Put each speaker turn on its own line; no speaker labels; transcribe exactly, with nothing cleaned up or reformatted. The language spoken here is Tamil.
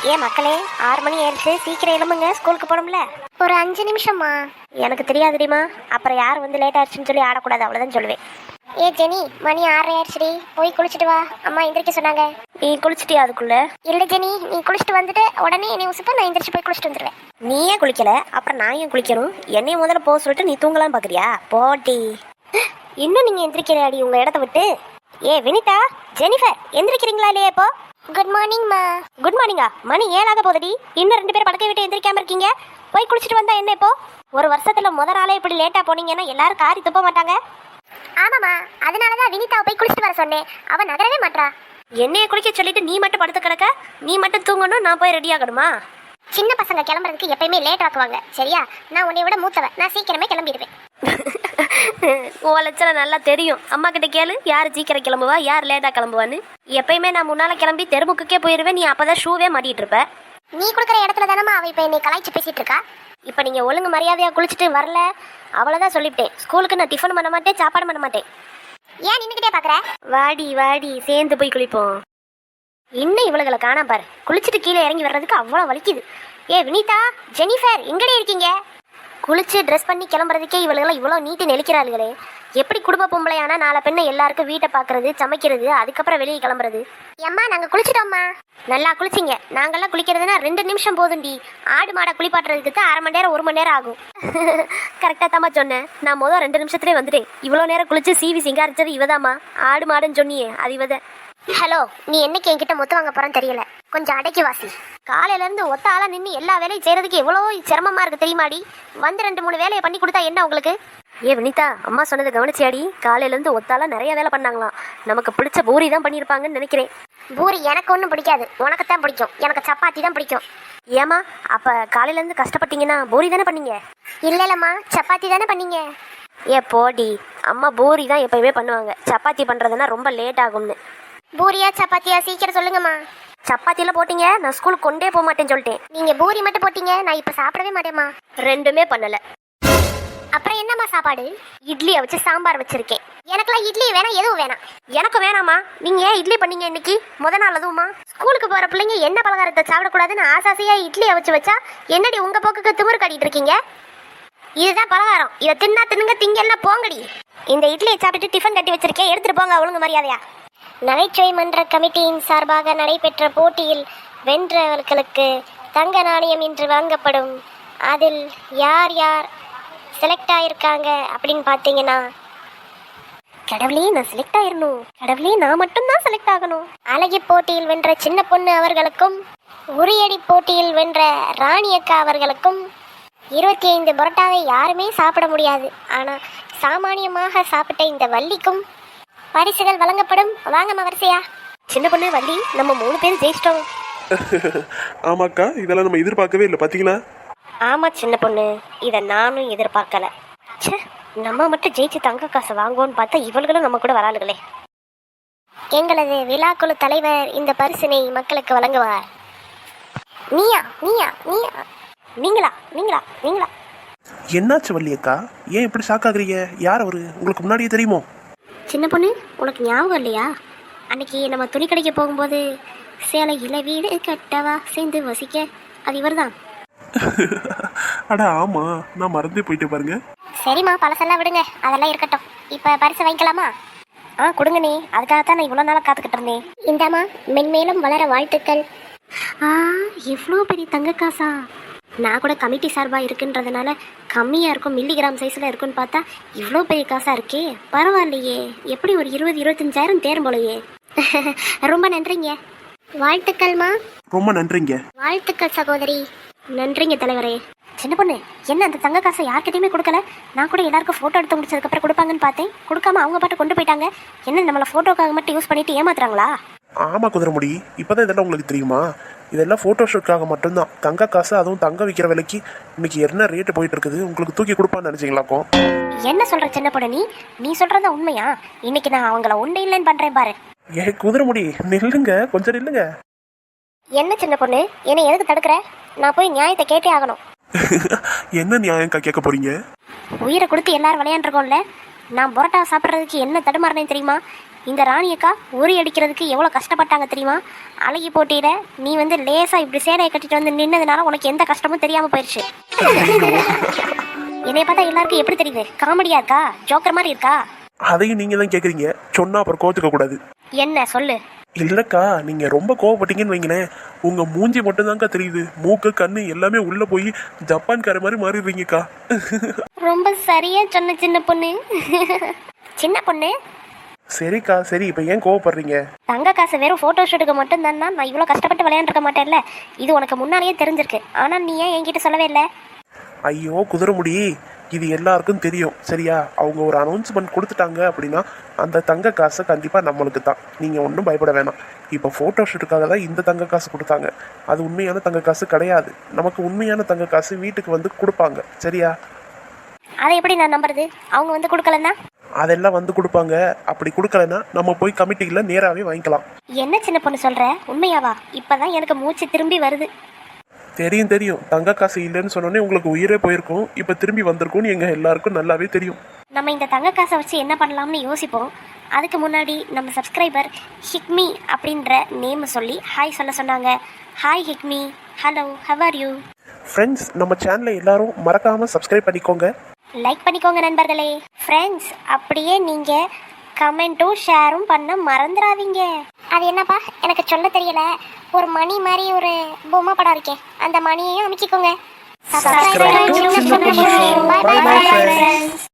ஏன் மக்களே, ஆறு மணி ஆயிடுச்சு, சீக்கிரம் எழும்புங்க, ஸ்கூலுக்கு போகணும்ல. ஒரு அஞ்சு நிமிஷமா? எனக்கு தெரியாதுடிமா, அப்புறம் யார் வந்து லேட் ஆயிடுச்சுன்னு சொல்லி ஆடக்கூடாது, அவ்வளோதான் சொல்லுவேன். ஏ ஜெனி, மணி ஆறு ஆயிடுச்சுடி, போய் குளிச்சுட்டு வா, அம்மா எந்திரிக்க சொன்னாங்க. நீ குளிச்சுட்டியா அதுக்குள்ள? இல்லை ஜெனி, நீ குளிச்சுட்டு வந்துட்டு உடனே என்னை உசுப்ப நான் எந்திரிச்சு போய் குளிச்சுட்டு வந்துடுவேன். நீ ஏன் குளிக்கல? அப்புறம் நான் ஏன் குளிக்கணும்? என்னைய முதல்ல போக சொல்லிட்டு நீ தூங்கலாம் பார்க்குறியா? போட்டி. இன்னும் நீங்கள் எந்திரிக்கிறாடி உங்கள் இடத்த விட்டு? ஏ வினிதா, ஜெனிஃபர், எந்திரிக்கிறீங்களா இல்லையா இப்போ? குட் மார்னிங் மா. குட் மார்னிங்கா? மணி ஏழாக போகுதுடி, இன்னும் ரெண்டு பேர் படுக்கை விட்டு எந்திரிக்காம இருக்கீங்க. போய் குளிச்சுட்டு வந்தா என்ன இப்போ? ஒரு வருஷத்துல முதல் நாளே இப்படி லேட்டா போனீங்கன்னா எல்லாரும் காரி துப்ப மாட்டாங்க. ஆமாமா, அதனாலதான் வினிதாவை போய் குளிச்சுட்டு வர சொன்னேன், அவ நகரவே மாட்டா. என்னைய குளிக்க சொல்லிட்டு நீ மட்டும் படுத்து கிடக்க, நீ மட்டும் தூங்கணும், நான் போய் ரெடி ஆகணுமா? சின்ன பசங்க கிளம்புறதுக்கு எப்பயுமே லேட் ஆக்குவாங்க, சரியா? நான் உன்னை விட மூத்தவன், நான் சீக்கிரமே கிளம்பிடுவேன். ஓ லட்சணம் நல்லா தெரியும். அம்மா கிட்ட கேளு, யார் சீக்கிரம் கிளம்புவா, யார் லேட்டா கிளம்புவான்னு. எப்பயுமே நான் முன்னால கிளம்பி தெருமுக்குக்கே போயிருவேன், நீ அப்பதான் ஷூவே மாட்டிட்டு இருப்ப. நீ கொடுக்குற இடத்துல தானமா அவ இப்ப என்னை கலாய்ச்சி பேசிட்டு இருக்கா. இப்ப நீங்க ஒழுங்கு மரியாதையா குளிச்சுட்டு வரல, அவ்வளவுதான் சொல்லிவிட்டேன். ஸ்கூலுக்கு நான் டிஃபன் பண்ண மாட்டேன், சாப்பாடு பண்ண மாட்டேன். ஏன் நின்னுக்கிட்டே பாக்குற? வாடி வாடி, சேர்ந்து போய் குளிப்போம். இன்னும் இவளுகளை காணா பாரு, குளிச்சுட்டு கீழே இறங்கி வர்றதுக்கு அவ்வளவு வலிக்குது. ஏ வினிதா, ஜெனிஃபர், எங்கடே இருக்கீங்க? குளிச்சு ட்ரெஸ் பண்ணி கிளம்புறதுக்கே இவளுகெல்லாம் இவ்வளோ நீட்டு நெளிக்கிறாளுகளே. எப்படி குடும்ப பொம்பளையானா நாலு பெண்ணை எல்லாருக்கும் வீட்டை பார்க்கறது, சமைக்கிறது, அதுக்கப்புறம் வெளியே கிளம்புறது. ஏம்மா நாங்கள் குளிச்சிட்டோம்மா. நல்லா குளிச்சிங்க. நாங்கள்லாம் குளிக்கிறதுனா ரெண்டு நிமிஷம் போதும்டி. ஆடு மாடை குளிப்பாட்டுறதுக்கு தான் அரை மணி நேரம் ஒரு மணி நேரம் ஆகும். கரெக்டாக தாம்மா சொன்னேன். நான் மொதல் ரெண்டு நிமிஷத்துலேயே வந்துட்டேன். இவ்வளோ நேரம் குளிச்சு சீவி சிங்காரிச்சது இவதாம்மா. ஆடு மாடுன்னு சொன்னியே அது இவத. ஹலோ, நீ என்னைக்கு என்கிட்ட மொத்தம் வாங்க போறான்னு தெரியல, கொஞ்சம் அடக்கி வாசி. காலையில இருந்து ஒத்த ஆளா நின்று எல்லா வேலையும் செய்யறதுக்கு எவ்வளோ சிரமமா இருக்கு தெரியுமாடி? வந்து ரெண்டு மூணு வேலையை பண்ணி கொடுத்தா என்ன உங்களுக்கு? ஏ வினிதா, அம்மா சொன்னது கவனிச்சியாடி? காலையில இருந்து ஒத்தால நிறைய வேலை பண்ணாங்களாம். நமக்கு பிடிச்ச பூரி தான் பண்ணியிருப்பாங்கன்னு நினைக்கிறேன். பூரி எனக்கு ஒன்றும் பிடிக்காது, உனக்கு தான் பிடிக்கும். எனக்கு சப்பாத்தி தான் பிடிக்கும். ஏமா, அப்ப காலையில இருந்து கஷ்டப்பட்டீங்கன்னா பூரி தானே பண்ணீங்க? இல்ல இல்லம்மா, சப்பாத்தி தானே பண்ணீங்க. ஏ போடி, அம்மா பூரி தான் எப்பயுமே பண்ணுவாங்க, சப்பாத்தி பண்றதுன்னா ரொம்ப லேட் ஆகும்னு. பூரியா சப்பாத்தியா சீக்கிரம் சொல்லுங்கம்மா. சப்பாத்தியில போட்டீங்க, நான் ஸ்கூலுக்கு கொண்டே போக மாட்டேன்னு சொல்லிட்டேன். நீங்க பூரி மட்டும் போட்டீங்க, நான் இப்ப சாப்பிடவே மாட்டேம்மா. ரெண்டுமே பண்ணல. அப்புறம் என்னம்மா சாப்பாடு? இட்லியை வச்சு சாம்பார் வச்சிருக்கேன். எனக்குலாம் இட்லி வேணாம், எதுவும் வேணாம். எனக்கு வேணாமா? நீங்க ஏன் இட்லி பண்ணீங்க இன்னைக்கு முத நாள்? அதுவுமா ஸ்கூலுக்கு போற பிள்ளைங்க என்ன பலகாரத்தை சாப்பிடக்கூடாதுன்னு ஆசாசியா இட்லியை வச்சு வச்சா என்னடி உங்க போக்குக்கு திமிரு காட்டிட்டு இருக்கீங்க? இதுதான் பலகாரம், இதை தின்னா தின்னுங்க, திங்கெல்லாம் போங்கடி. இந்த இட்லியை சாப்பிட்டுட்டு டிஃபன் கட்டி வச்சிருக்கேன், எடுத்துட்டு போங்க ஒழுங்கு மரியாதையா. நகைச்சுவை மன்ற கமிட்டியின் சார்பாக நடைபெற்ற போட்டியில் வென்றவர்களுக்கு தங்க நாணயம் இன்று வழங்கப்படும். அதில் யார் யார் செலக்ட் ஆயிருக்காங்க அப்படின்னு பார்த்தீங்கன்னா, கடவுளே நான் செலக்ட் ஆயிரணும், கடவுளே நான் மட்டும்தான் செலக்ட் ஆகணும். அழகி போட்டியில் வென்ற சின்ன பொண்ணு அவர்களுக்கும், உரியடி போட்டியில் வென்ற ராணி அக்கா அவர்களுக்கும் இருபத்தி ஐந்து பரோட்டாவை யாருமே சாப்பிட முடியாது, ஆனால் சாமானியமாக சாப்பிட்ட இந்த வள்ளிக்கும் பரிசுகள் வழங்கப்படும். வாங்கம்மா வரிசையா. சின்ன பொண்ணு வள்ளி, நம்ம மூணு பேரும் ஜெயிச்சிட்டோம்.
ஆமாக்கா, இதெல்லாம் நம்ம எதிர்பார்க்கவே இல்லை, பார்த்தீங்களா?
ஆமா சின்ன பொண்ணு, இதை நானும் எதிர்பார்க்கல. சே, நம்ம மட்டும் ஜெயிச்சு தங்க காசு வாங்குவோன்னு பார்த்தா இவர்களும் நம்ம கூட வராளுகளே. எங்களது விழாக்குழு தலைவர் இந்த பரிசினை மக்களுக்கு வழங்குவார். நீயா நீயா நீயா நீங்களா நீங்களா நீங்களா
என்னாச்சு வள்ளியக்கா, ஏன் இப்படி ஷாக் ஆகுறீங்க? யார் அவரு? உங்களுக்கு முன்னாடியே தெரியுமோ?
சின்ன பொண்ணு, உனக்கு ஞாபகம் இல்லையா? அன்னைக்கு நம்ம துணி கடைக்கு போகும்போது சேலையில வீடு கட்டவா சேர்ந்து வசிக்க, அது இவர் தான்.
அட ஆமா, நான் மறந்தே போயிட்டு பாருங்க.
சரிம்மா, பழசெல்லாம் விடுங்க, அதெல்லாம் இருக்கட்டும். இப்போ பரிசு வாங்கிக்கலாமா? ஆ கொடுங்க நீ, அதுக்காகத்தான் நான் இவ்வளோ நாளாக காத்துக்கிட்டு இருந்தேன். இந்தாம்மா, மென்மேலும் வளர வாழ்த்துக்கள். ஆ, எவ்வளோ பெரிய தங்க காசா! நான் கூட கமிட்டி சார்பாக இருக்குன்றதுனால கம்மியாக இருக்கும், மில்லிகிராம் சைஸில் இருக்குன்னு பார்த்தா இவ்வளோ பெரிய காசாக இருக்கே. பரவாயில்லையே, எப்படி ஒரு இருபது இருபத்தஞ்சாயிரம் தேரும் போலையே. ரொம்ப நன்றிங்க. வாழ்த்துக்கள்மா.
ரொம்ப நன்றிங்க.
வாழ்த்துக்கள் சகோதரி. நன்றிங்க தலைவரே. சின்ன பொண்ணு, என்ன அந்த தங்க காசை யார்கிட்டையுமே கொடுக்கல? நான் கூட எல்லாருக்கும் ஃபோட்டோ எடுத்து முடிச்சதுக்கப்புறம் கொடுப்பாங்கன்னு பார்த்தேன், கொடுக்காம அவங்க பாட்டு கொண்டு போயிட்டாங்க. என்ன நம்மளை ஃபோட்டோக்காக மட்டும் யூஸ் பண்ணிட்டு ஏமாத்துறாங்களா?
ஆமா குதிரைமுடி, இப்போதான் இதெல்லாம் உங்களுக்கு தெரியுமா? இதெல்லாம் ஃபோட்டோ ஷூட்காக மட்டும்தான். தங்க காசு, அதுவும் தங்க விற்கிற விலைக்கு இன்னைக்கு என்ன ரேட்டு போயிட்டு இருக்குது, உங்களுக்கு தூக்கி கொடுப்பான்னு நினைச்சிங்களாக்கோ?
என்ன சொல்ற சின்ன பொண்ணு, நீ நீ சொல்றதா உண்மையா? இன்னைக்கு நான் அவங்கள ஒண்ணு இல்லைன்னு பண்றேன் பாரு.
ஏ குதிரைமுடி, நில்லுங்க, கொஞ்சம் நில்லுங்க.
என்ன சின்ன பொண்ணு, என்னை எதுக்கு தடுக்கிற? நான் போய் நியாயத்தை கேட்டே ஆகணும்.
என்ன நியாயம்க்கா கேட்க போறீங்க?
உயிரை கொடுத்து எல்லாரும் விளையாண்டுருக்கோம்ல, நான் பரோட்டா சாப்பிட்றதுக்கு என்ன தடுமாறினேன் தெரியுமா? இந்த ராணி அக்கா உரி அடிக்கிறதுக்கு எவ்வளோ கஷ்டப்பட்டாங்க தெரியுமா? அழகி போட்டியில நீ வந்து லேசா இப்படி சேலையை கட்டிட்டு வந்து நின்னதுனால உனக்கு எந்த கஷ்டமும் தெரியாம போயிடுச்சு. என்னைய பார்த்தா எல்லாருக்கும் எப்படி தெரியுது? காமெடியா இருக்கா? ஜோக்கர் மாதிரி இருக்கா?
அதையும் நீங்க தான் கேக்குறீங்க, சொன்னா அப்புறம் கோத்துக்க கூடாது.
என்ன சொல்லு.
இல்லக்கா, நீங்க ரொம்ப கோவப்பட்டீங்கன்னு வைங்களேன், உங்க மூஞ்சி மட்டும்தான்க்கா தெரியுது, மூக்கு கண்ணு எல்லாமே உள்ள போய் ஜப்பான்கார மாதிரி மாறிடுறீங்கக்கா.
ரொம்ப சரியா சொன்ன சின்ன பொண்ணு. சின்ன பொண்ணு
சரிக்கா சரி, இப்ப ஏன் கோவப்படுறீங்க?
தங்க காசு வெறும் போட்டோ ஷூட்டுக்கு மட்டும் தான் நான் இவ்வளோ கஷ்டப்பட்டு விளையாண்டுருக்க மாட்டேன்ல. இது உனக்கு முன்னாலேயே தெரிஞ்சிருக்கு. ஆனா நீ ஏன் என்கிட்ட சொல்லவே இல்லை?
ஐயோ குதிரைமுடி, இது எல்லாருக்கும் தெரியும் சரியா? அவங்க ஒரு அனௌன்ஸ்மெண்ட் கொடுத்துட்டாங்க அப்படின்னா அந்த தங்க காசு கண்டிப்பா நம்மளுக்கு தான். நீங்க ஒன்றும் பயப்பட வேணாம். இப்போ போட்டோ ஷூட்டுக்காக தான் இந்த தங்க காசு கொடுத்தாங்க. அது உண்மையான தங்க காசு கிடையாது. நமக்கு உண்மையான தங்க காசு வீட்டுக்கு வந்து கொடுப்பாங்க சரியா?
அதை எப்படி நான் நம்புறது? அவங்க வந்து கொடுக்கலன்னா?
அதெல்லாம் வந்து கொடுப்பாங்க. அப்படி கொடுக்கலன்னா நம்ம போய் கமிட்டியில நேராவே வாங்கிக்கலாம்.
என்ன சின்ன பொண்ணு சொல்ற? உண்மையாவா? இப்பதான் எனக்கு மூச்சு திரும்பி வருது.
தெரியும் தெரியும், தங்க காசு இல்லைன்னு சொன்னோன்னே உங்களுக்கு உயிரே போயிருக்கும். இப்போ திரும்பி வந்திருக்கும்னு எங்க எல்லாருக்கும் நல்லாவே தெரியும்.
நம்ம இந்த தங்க காசை வச்சு என்ன பண்ணலாம்னு யோசிப்போம். அதுக்கு முன்னாடி நம்ம சப்ஸ்கிரைபர் ஹிக்மி அப்படின்ற நேம் சொல்லி ஹாய் சொல்ல சொன்னாங்க. ஹாய் ஹிக்மி. Hello, how are you?
Friends, நம்ம சேனலை எல்லாரும் மறக்காம சப்ஸ்கிரைப் பண்ணிக்கோங்க,
லைக் பண்ணிக்கோங்க நண்பர்களே. ஃப்ரெண்ட்ஸ், அப்படியே நீங்க கமெண்ட்டும் ஷேரும் பண்ண மறந்துடாதீங்க. அது என்னப்பா எனக்கு சொல்ல தெரியல. ஒரு மணி மாதிரி ஒரு பொம்மை படம் இருக்கே, அந்த மணியையும் அமைக்கிக்கோங்க.
Subscribe to Chinna Ponnu Show. Bye bye friends.